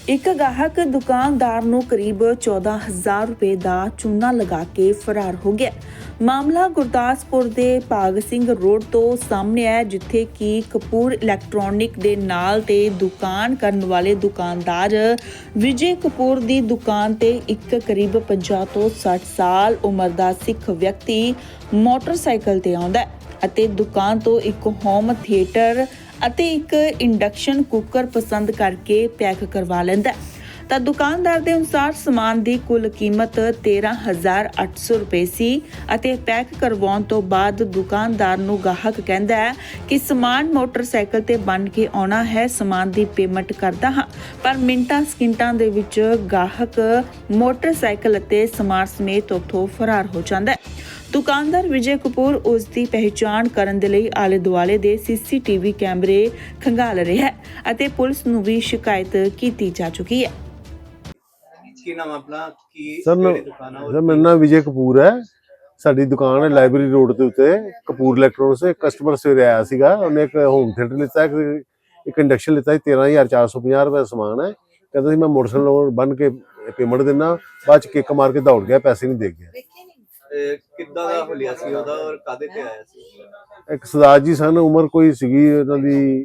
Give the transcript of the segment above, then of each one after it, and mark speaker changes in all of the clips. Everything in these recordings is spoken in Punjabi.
Speaker 1: ਇੱਕ ਗਾਹਕ ਦੁਕਾਨਦਾਰ ਨੂੰ ਕਰੀਬ 14,000 ਰੁਪਏ ਦਾ ਚੂਨਾ ਲਗਾ ਕੇ ਫਰਾਰ ਹੋ ਗਿਆ। ਮਾਮਲਾ ਗੁਰਦਾਸਪੁਰ ਦੇ ਭਾਗ ਸਿੰਘ ਰੋਡ ਤੋਂ ਸਾਹਮਣੇ ਆਇਆ, ਜਿੱਥੇ ਕਿ ਕਪੂਰ ਇਲੈਕਟ੍ਰੋਨਿਕ ਦੇ ਨਾਲ ਤੇ ਦੁਕਾਨ ਕਰਨ ਵਾਲੇ ਦੁਕਾਨਦਾਰ ਵਿਜੇ ਕਪੂਰ ਦੀ ਦੁਕਾਨ ਤੇ ਇੱਕ ਕਰੀਬ 50 ਤੋਂ 60 ਸਾਲ ਉਮਰ ਦਾ ਸਿੱਖ ਵਿਅਕਤੀ ਮੋਟਰਸਾਈਕਲ ਤੇ ਆਉਂਦਾ ਹੈ ਅਤੇ ਦੁਕਾਨ ਤੋਂ ਇੱਕ ਹੋਮ ਥੀਏਟਰ ਅਤੇ ਇੱਕ ਇੰਡਕਸ਼ਨ ਕੁੱਕਰ ਪਸੰਦ ਕਰਕੇ ਪੈਕ ਕਰਵਾ ਲੈਂਦਾ ਤਾਂ ਦੁਕਾਨਦਾਰ ਦੇ ਅਨੁਸਾਰ ਸਮਾਨ ਦੀ ਕੁੱਲ ਕੀਮਤ 13,800 ਰੁਪਏ ਸੀ ਅਤੇ ਪੈਕ ਕਰਵਾਉਣ ਤੋਂ ਬਾਅਦ ਦੁਕਾਨਦਾਰ ਨੂੰ ਗਾਹਕ ਕਹਿੰਦਾ ਹੈ ਕਿ ਸਮਾਨ ਮੋਟਰਸਾਈਕਲ ਤੇ ਬੰਨ ਕੇ ਆਉਣਾ ਹੈ, ਸਮਾਨ ਦੀ ਪੇਮੈਂਟ ਕਰਦਾ ਹਾਂ। ਪਰ ਮਿੰਟਾਂ ਸਕਿੰਟਾਂ ਦੇ ਵਿੱਚ ਗਾਹਕ ਮੋਟਰਸਾਈਕਲ ਅਤੇ ਸਮਾਨ ਸਮੇਤ ਉੱਥੋਂ ਫਰਾਰ ਹੋ ਜਾਂਦਾ ਹੈ। ਦੁਕਾਨਦਾਰ ਵਿਜੇ ਕਪੂਰ ਉਸ ਦੀ ਪਹਿਚਾਣ ਕਰਨ ਦੇ ਲਈ ਆਲੇ ਦੁਆਲੇ ਦੇ CCTV ਕੈਮਰੇ ਖੰਗਾਲ ਰਿਹਾ ਹੈ ਅਤੇ ਪੁਲਿਸ ਨੂੰ ਵੀ ਸ਼ਿਕਾਇਤ ਕੀਤੀ ਜਾ ਚੁੱਕੀ ਹੈ।
Speaker 2: ਕੀ ਨਾਮ ਆਪਣਾ ਕੀ
Speaker 3: ਸਰ
Speaker 2: ਦੁਕਾਨ ਹੈ?
Speaker 3: ਮੇਰਾ ਨਾਮ ਵਿਜੇ ਕਪੂਰ ਹੈ। ਸਾਡੀ ਦੁਕਾਨ ਹੈ ਲਾਇਬ੍ਰੇਰੀ ਰੋਡ ਦੇ ਉੱਤੇ ਕਪੂਰ ਇਲੈਕਟ੍ਰੋਨਿਕਸ। ਕਸਟਮਰ ਸਵੇਰੇ ਆਇਆ ਸੀਗਾ, ਉਹਨੇ ਇੱਕ ਹੋਮ ਥੀਏਟਰ ਲਿੱਤਾ, ਇੱਕ ਇੰਡਕਸ਼ਨ ਲਿੱਤਾ। 13,450 ਰੁਪਏ ਦਾ ਸਮਾਨ ਹੈ। ਕਹਿੰਦਾ ਸੀ ਮੈਂ ਮੋਟਰਸਾਈਕਲ ਬੰਨ ਕੇ ਪੇਮੈਂਟ ਦਿੰਦਾ, ਬਾਅਦ ਚ ਕਿੱਕ ਮਾਰ ਕੇ ਦੌੜ ਗਿਆ, ਪੈਸੇ ਨਹੀਂ ਦੇ ਗਿਆ।
Speaker 2: ਕਿੱਦਾਂ ਦਾ ਹੁਲੀਆ ਸੀ ਉਹਦਾ ਔਰ ਕਾਦੇ ਤੇ ਆਇਆ ਸੀ?
Speaker 3: ਇੱਕ ਸਰਦਾਰ ਜੀ ਸਨ, ਉਮਰ ਕੋਈ ਸੀਗੀ ਉਹਨਾਂ ਦੀ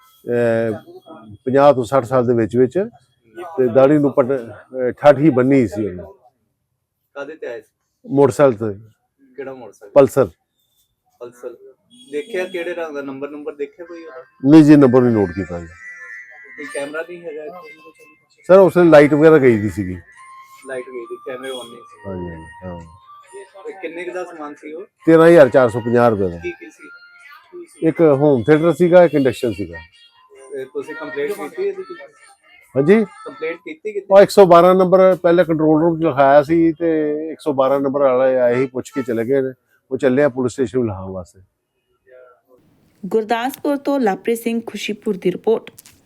Speaker 3: 50 ਤੋਂ 60 ਸਾਲ ਦੇ ਵਿੱਚ ਤੇ ਦਾੜੀ ਨੂੰ ਠੱਠ ਹੀ ਬੰਨੀ ਸੀ ਉਹਨੇ।
Speaker 2: ਕਾਦੇ ਤੇ ਆਇਆ ਸੀ?
Speaker 3: ਮੋਟਰਸਾਈਕਲ ਤੇ।
Speaker 2: ਕਿਹੜਾ ਮੋਟਰਸਾਈਕਲ?
Speaker 3: ਪਲਸਰ।
Speaker 2: ਪਲਸਰ। ਦੇਖਿਆ ਕਿਹੜੇ ਰੰਗ ਦਾ? ਨੰਬਰ ਦੇਖਿਆ ਕੋਈ ਉਹਦਾ?
Speaker 3: ਨਹੀਂ ਜੀ, ਨੰਬਰ ਨਹੀਂ ਨੋਟ ਕੀਤਾ ਜੀ।
Speaker 2: ਕੋਈ ਕੈਮਰਾ ਨਹੀਂ ਹੈਗਾ ਇੱਥੇ?
Speaker 3: ਸਰ ਉਸ ਵੇਲੇ ਲਾਈਟ ਵਗੈਰਾ ਗਈ ਦੀ ਸੀਗੀ।
Speaker 2: ਲਾਈਟ ਗਈ ਸੀ, ਕੈਮਰੇ ਆਨ ਨਹੀਂ ਸੀ।
Speaker 3: ਹਾਂਜੀ ਹਾਂ।
Speaker 2: ਕਿੰਨੇ ਕੁ ਦਾ ਸਮਾਨ ਸੀ ਉਹ?
Speaker 3: 13,450 ਰੁਪਏ ਦਾ।
Speaker 2: ਕੀ ਸੀ?
Speaker 3: ਇੱਕ ਹੋਮ ਥੀਏਟਰ ਸੀਗਾ, ਇੱਕ ਇੰਡਕਸ਼ਨ ਸੀਗਾ।
Speaker 2: ਤੁਸੀਂ ਕੰਪਲੇਂਟ ਕੀਤੀ ਇਹਦੀ?
Speaker 3: ਹਾਂਜੀ,
Speaker 2: ਕੰਪਲੇਂਟ ਕੀਤੀ ਕਿਤੇ?
Speaker 3: ਉਹ 112 ਨੰਬਰ ਪਹਿਲੇ ਕੰਟਰੋਲ ਰੂਮ 'ਚ ਲਿਖਾਇਆ ਸੀ ਤੇ 112 ਨੰਬਰ ਵਾਲੇ ਆਏ ਹੀ ਪੁੱਛ ਕੇ ਚਲੇ ਗਏ ਨੇ। ਉਹ ਚੱਲੇ ਆ ਪੁਲਿਸ ਸਟੇਸ਼ਨ ਲਿਖਾਉਣ ਵਾਸਤੇ।
Speaker 1: ਗੁਰਦਾਸਪੁਰ ਤੋਂ ਲਾਪਰੀ ਸਿੰਘ, ਖੁਸ਼ੀਪੁਰ ਦੀ ਰਿਪੋਰਟ।